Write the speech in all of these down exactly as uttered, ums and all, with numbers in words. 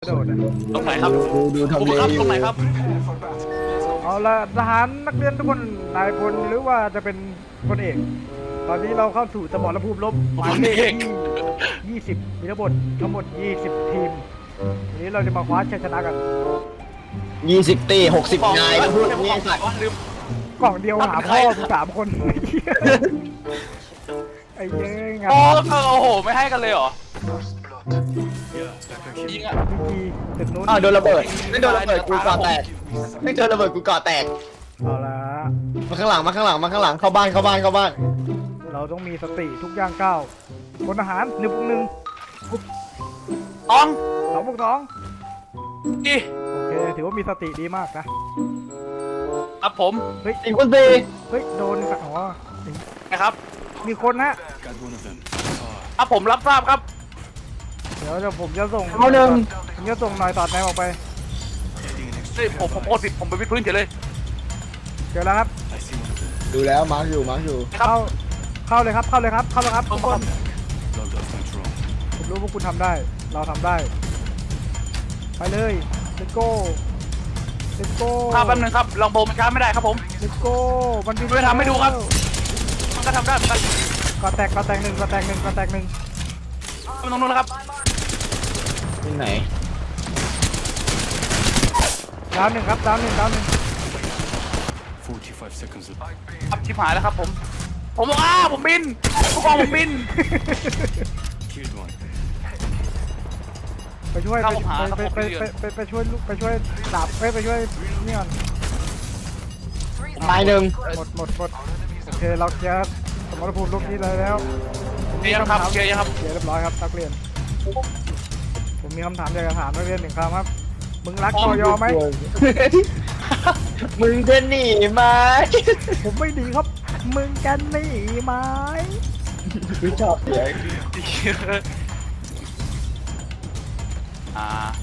โดดอะตรงไหนครับดูดูทำผู้เลบังคับอตรยู่งไหนครับเอาละทหารนักเรียนทุกคนนายพลหรือว่าจะเป็นพลเอกตอนนี้เราเข้าสู่สมรภูมิรบหมายเลขที่ยี่สิบมีทั้งหมดทั้งหมดยี่สิบทีมวันนี้เราจะมาคว้าชัยชนะกันยี่สิบตีหกสิบนายต้องพูดผู้งี้กองสัตว์ลืมกล่องเดียวหาพ่อกูสามคนไอ้เย้ยงานโอ้โอ้โหไม่ให้กันเลยเหรอยิงอ่ะพีตึกนู้นอ้าวโดนระเบิดไม่โดนระเบิดกูก่อแตกไม่โดนระเบิดกูก่อแตกเอาละมาข้างหลังมาข้างหลังมาข้างหลังเข้าบ้านเข้าบ้านเข้าบ้านเราต้องมีสติทุกย่างก้าวพลทหารหนึ่งบวกหนึ่งต้องสองบวกสองอีโอเคถือว่ามีสติดีมากนะครับผมเฮ้ยสี่คูณสี่เฮ้ยโดนครับอ๋อนะครับมีคนฮะอ่ะผมรับทราบครับเดี๋ยวเดี๋ยวผมจะส่งเอาหนึ่งผมจะส่งหน่อยตอดแนวออกไปเฮ้ยผมผมโคตรผิดผมไปวิดพื้นเฉยเลยเดี๋ยวแล้วครับดูแล้วมาร์คอยู่มาร์คอยู่ครับเข้าเข้าเลยครับเข้าเลยครับเข้าเลยครับผทุมกคนผมรู้ว่าคุณทำได้ เราทำได้ ไปเลยเลโก้เลโก้ครับแป๊บนึงครับลองโบมันช้าไม่ได้ครับผมเลโก้มันบินไม่ทำให้ดูครับ มันก็ทำได้เหมือนกันกอแตกกอแตกหนึ่งกอแตกหนึ่งกอแตกหนึ่งตรงนู้นนะครับที่ไหนดาวหนึ่งครับดาวหนึ่งดาวหนึ่ง forty-five seconds left. ครับชิบหายแล้วครับผม ผมบอกอ้าผมบินผู้กองผมบิน Killed one. ไปช่วยเข้าหาไปไปครับไปไปไปไปช่วยลูกไปช่วยดาบไปไปช่วยนี่ก่อนตายหนึ่งหมดหมดหมดโอเคเราเคลียร์สมรภูมิลูกนี้เลยแล้วเคลียร์ครับเคลียร์ยังครับเคลียร์เรียบร้อยครับนักเรียนผมมีคำถามอยากจะถามนักเรียนหนึ่งคำครับมึงรักกยไหมมึงจะหนีไหมผมไม่ดีครับ มึงกันหนีไหมกูชอบเสียงอ่า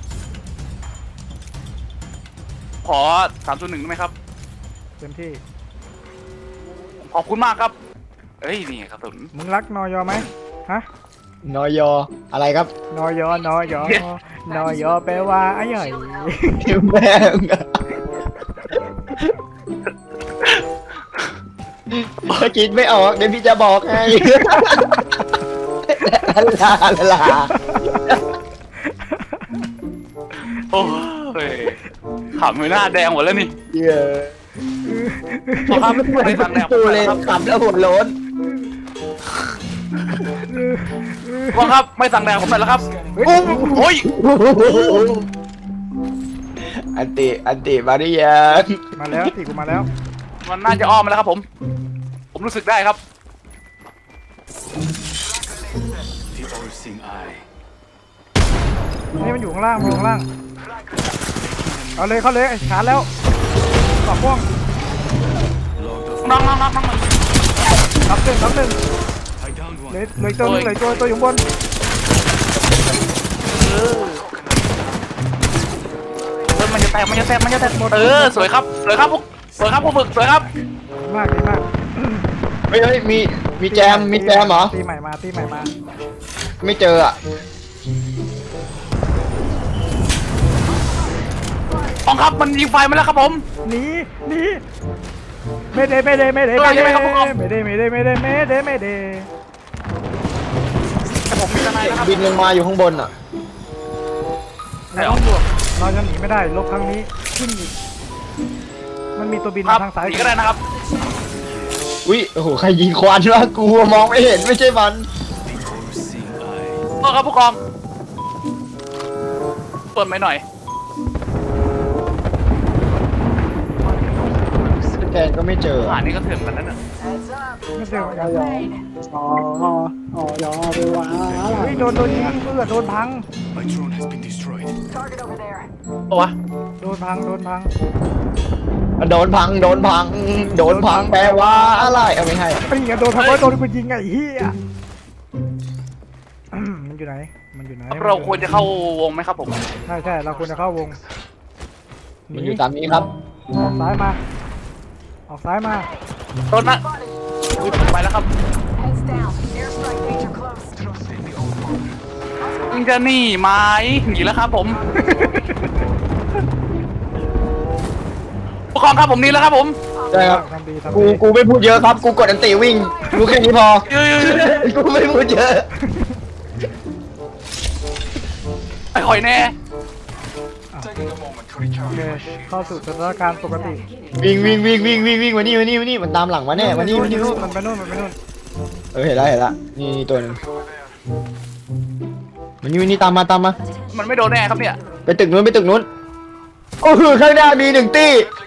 ขอสามจุดหนึ่งได้ไหมครับเต็มที่ขอบคุณมากครับ เอ้ยนี่ครับผมมึงรักนอยไหมฮะนอยออะไรครับนอยนอยนอยแปลว่าไอ้ใหญ่แม่งถ้าคิดไม่ออกเดี๋ยวพี่จะบอกให้ลาลาโอ้ยขำไม่หน้าแดงหมดแล้วนี่เยอะขอครับไม่ฟังแดงตูเลยขำแล้วหัวโล้นขอครับไม่สั่งแดงผมหน่อยแล้วครับเฮ้ยโอ้ยอันติอันติมาได้ยังมาแล้วสิกูมาแล้วมันน่าจะอ้อมมาแล้วครับผม ผมรู้สึกได้ครับ The all-seeing eye. นี่มันอยู่ข้างล่างมันอยู่ข้างล่างเอาเลยเข้าเลยชาร์จแล้วตอบพ่วง Logged off. น้องน้องน้องน้องรับหนึ่งรับหนึ่ง I downed เหลย one. เหลยตัวหนึงเหลยตัวตัวอยู่บนเออเออมันจะแตกมันจะแตกมันจะแตกเออสวยครับสวยครับพวกสวยครับพวกฝึกสวยครับมากดีมากเฮ้ยเฮ้ยมีมีแจมมีแจมเหรอตีใหม่มาตีใหม่มาไม่เจออ่ะกองครับมันยิงไฟมาแล้วครับผมหนีหนีไม่ได้ไม่ได้ไม่ได้เออไม่ใช่ไหมได้ครับพวกเราไม่ได้ไม่ได้ไม่ได้ไม่ได้ไม่ได้แต่ผมมีทนายนะครับบินลงมาอยู่ข้างบนอ่ะใช่หรอเราจะหนีไม่ได้ลบครั้งนี้ขึ้นอีกมันมีตัวบินครับทางซ้ายหนีก็ได้นะครับอุ้ยโอ้โหใครยิงควันวะกูมองไม่เห็นไม่ใช่มัน The all-seeing eye. โทษครับผู้กองเปิดไหมหน่อยสแกนก็ไม่เจอหานี่ก็เถื่อนกันนั่นน่ะไม่เจออ๋ออ๋อยอไปวะเฮ้ยโดนโดนยิงเพื่อโดนพัง My drone has been destroyed. โอ้วะโดนพังโดนพังโดนพังโดนพังโดนพังแปลว่าอะไรเอาไม่ให้เป็นอย่างโดนพังเพราะโดนกูยิงไงไอ้เหี้ยอืมมันอยู่ไหนมันอยู่ไหนเราควรจะเข้าวงไหมครับผมใช่ใช่เราควรจะเข้าวงหมันอยู่ตามนี้ครับออกซ้ายมา ออกซ้ายมาต้นนะอุ้ยผมไปแล้วครับ Heads down. Airstrike danger close. มึงจะหนีไหมหนีแล้วครับผมผู้กองครับผมหนีแล้วครับผมใช่ครับทำดีทำกูดีกูไม่พูดเยอะครับ กูกดอันติวิ่งรู้แค่นี้พอยื้อกูไม่พูดเยอะไอ้หอยแน่โอเคเข้าสู่สถานการณ์ปกติวิ่งวิ่งวิ่งวิ่งวิ่งวิ่งมานี่มานี่มานี่มันตามหลังมาแน่มานี่มานี่มานี่มันไปนู่นมันไปนู่นเออเห็นแล้วเห็นแล้วนี่นี่ตัวหนึงมันนี่มานี่ตามมาตามมามันไม่โดนแน่ครับเนี่ยไปตึกนู้นไปตึกนู้นโอ้โหข้างหน้ามีหนึ่งตี้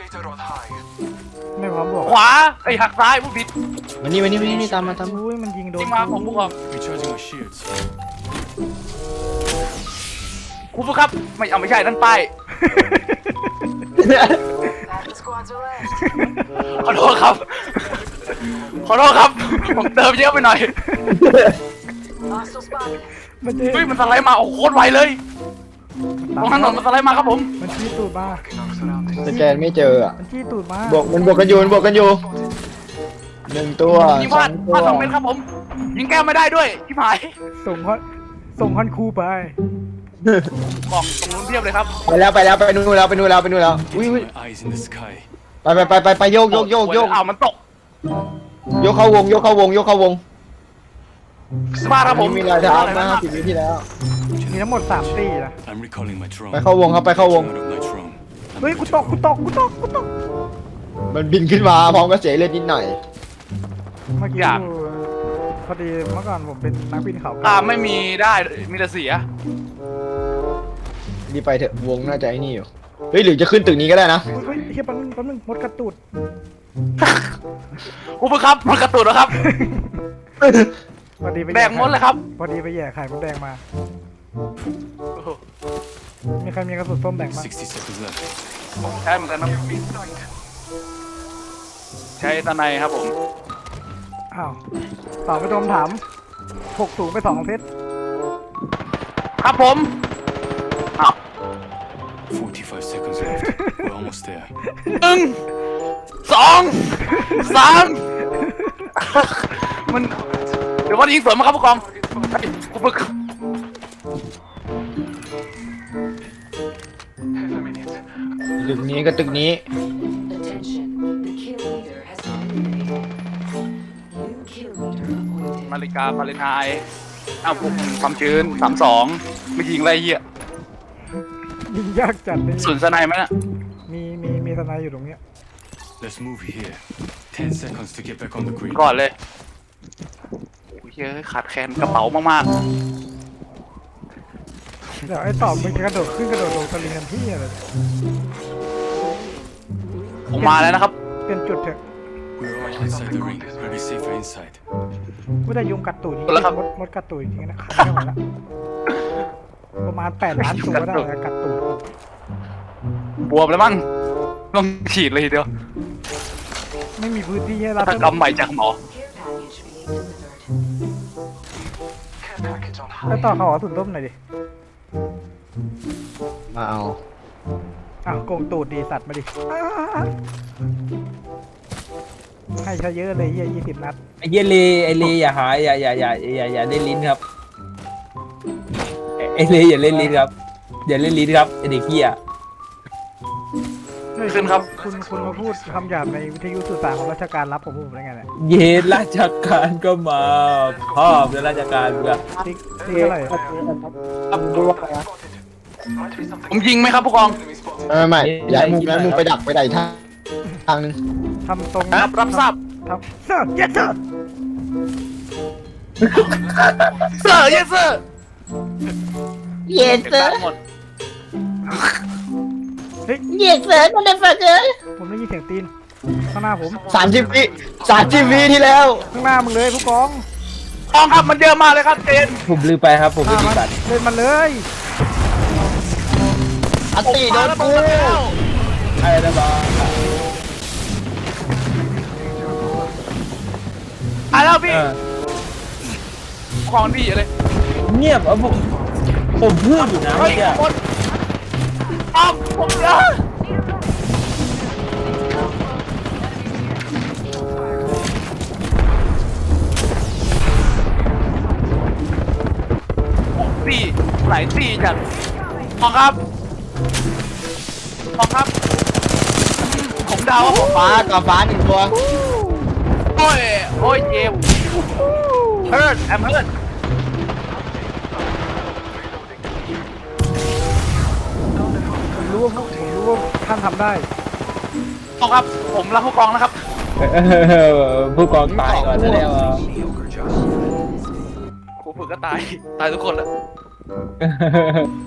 ไม่พร้อมบวกขวาไอ้หักซ้ายผู้ผิดมานี่มานี่มานี่นี่ตามมาตามมาอุ้ยมันยิงโดนยิงมาของผู้กอง Recharging my shields. คุณผู้ครับไม่เอาไม่ใช่นั่นป้ายขอโทษครับขอโทษครับผมเติมเยอะไปหน่อยมันจะเฮ้ยมันสไลด์มาโอ้โหโคตรไวเลยตรงถนนมันสไลด์มาครับผมมันชี้ตูดมาสแกนไม่เจออ่ะมันชี้ตูดมาบวกมันบวกกันอยู่มันบวกกันอยู่หนึ่งตัวยิงสพอลาดงพตัวลาดสองเมตรครับผม ยิงแก้วไม่ได้ด้วยที่หายส่งฮอนส่งฮอนคูไปกล่องตรงนู้นเทียบเลยครับไปแล้วไปแล้วไปนู่นแล้วไปนู่นแล้วไปนู่นแล้วอุ้ยอุ้ย My eyes in the sky. ไปไปไปไปไปโยกโยกโยกโยกอ้าวมันตกโยกเข้าวงโยกเข้าวงโยกเข้าวงพลาดครับผมมีรอยเท้ามาสิบวิที่แล้วมีทั้งหมดสามตีนะ I'm recalling my drone. ไปเข้าวงครับไปเข้าวง Out of my drone. เฮ้ยกูตกกูตกกูตกกูตกมันบินขึ้นมาพร้อมกับเสียเลือดนิดหน่อยเมื่อกี้กูพอดีเมื่อก่อนผมเป็นนักบินเขาอ่าไม่มีได้มีแต่เสียรีบไปเถอะวงน่าจะไอ้นี่อยู่เฮ้ยหรือจะขึ้นตึกนี้ก็ได้นะเฮ้ยเฮ้ยเฮียแป๊บนึงแป๊บนึงมดกระตูดคุณผู้ครับมันกระตุนแล้วครับพอดีไปแบกมดเลยครับพอดีไปแย่ไข่มดแดงมา มีใครมีกระสุนส้มแบ่งบ้าง sixty seconds left. ใช่เหมือนกันนะใช้ตะไนครับผมอ้าวตอบไปโดมถามหกสูงไปสองเพชรครับผมอ้าว forty-five seconds left. We're almost there. หนึ่งสองสามมันเดี๋ยววันยิงสวนมาครับผู้กองเฮ้ยคุณฝึกตึกนี้กับตึกนี้ Attention, the kill leader has been eliminated. New kill leader appointed. นาฬิกาฟาเรนไฮต์อ้าวผมความชื้นสามสองไม่ยิงไรเหี้ยยิงยากจัดเลยศูนย์สไนไหมน่ะมีมีมีทนายอยู่ตรงเนี้ย Let's move here. Ten seconds to get back on the grid. ก่อนเลยโอ้ยเฮ้ยขาดแคลนกระเป๋ามากเดี๋ยวไอ้ตอบมันจะกระโดดขึ้นกระโดดลงสลิงกันที่อะไรๆผมมาแล้วนะครับเป็นจุดเถอะ We're all inside the ring. We'll be safer inside. กูได้ยุงกัดตูดจริงแล้วครับมดมดกัดตูดจริงๆนะขาดไม่ไหวละประมาณแปดล้านตัวได้นะกัดตูดบวมแล้วมั้งต้องฉีดเลยทีเดียวไม่มีพื้นที่ให้รับถ้ากำใหม่จากหมอ Care package being delivered. แล้วต่อเขาขอสุนต้มหน่อยดิมาเอาอ้าวโกงตูดดีสัตว์มาดิให้ใช้เยอะเลยเฮียยี่สิบนัดไอ้เหี้ยลีไอ้ลีอย่าหาอย่าอย่าอย่าอย่าอย่าเล่นลิ้นครับไอ้ไอ้ลีอย่าเล่นลิ้นครับอย่าเล่นลิ้นครับไอ้เด็กเหี้ยเฮ้ยขึ้นครับคุณคุณมาพูดคำหยาบในวิทยุสื่อสารของราชการรับผมพูดได้ไงเนี่ยเย็นราชการก็มาพ่อเป็นราชการเพื่อติ๊กติ๊กอะไรดูว่าอะไรนะผมยิงไหมครับผู้กองเออไม่ย้ายมุมย้ายมุมไปดักไปไหนทางทางนึงทำตรงครับรับทราบทำเซอร์เยสเซอร์เซอร์เยสเซอร์เย็นเซอร์หมดเฮ้ยเย็นเซอร์ก็ได้ฟังเอ้ยผมได้ยินเสียงตีนข้างหน้าผมสามสิบวิสามสิบวิที่แล้วข้างหน้ามึงเลยผู้กองกองครับมันเยอะมากเลยครับเจนผมลืมไปครับผมไม่อ่ะมีมันบัตรเล่นมันเลยอัตติโดนกูไอ้ระบาอ่ะแล้วพี่เออผู้กองพี่อะไรเงียบอ่ะผมผมพูดอยู่นะเฮ้ยเมื่อกี้คนออกผมเยอะพี่ลายตีจัดมองครับมองครับ ผมเดาว่าผมฟ้ากับฟ้าหนึ่งตัวโอ้ยโอ้ยเจมเฮิร์ตแอมเฮิร์ตผมรู้ว่าผมรู้ว่าท่านทำได้มองครับ ผมรักผู้กองนะครับเออผู้กองตายก่อนจะได้ว่า Mediocre job. ครูฝึกก็ตาย ตายทุกคนแล้ว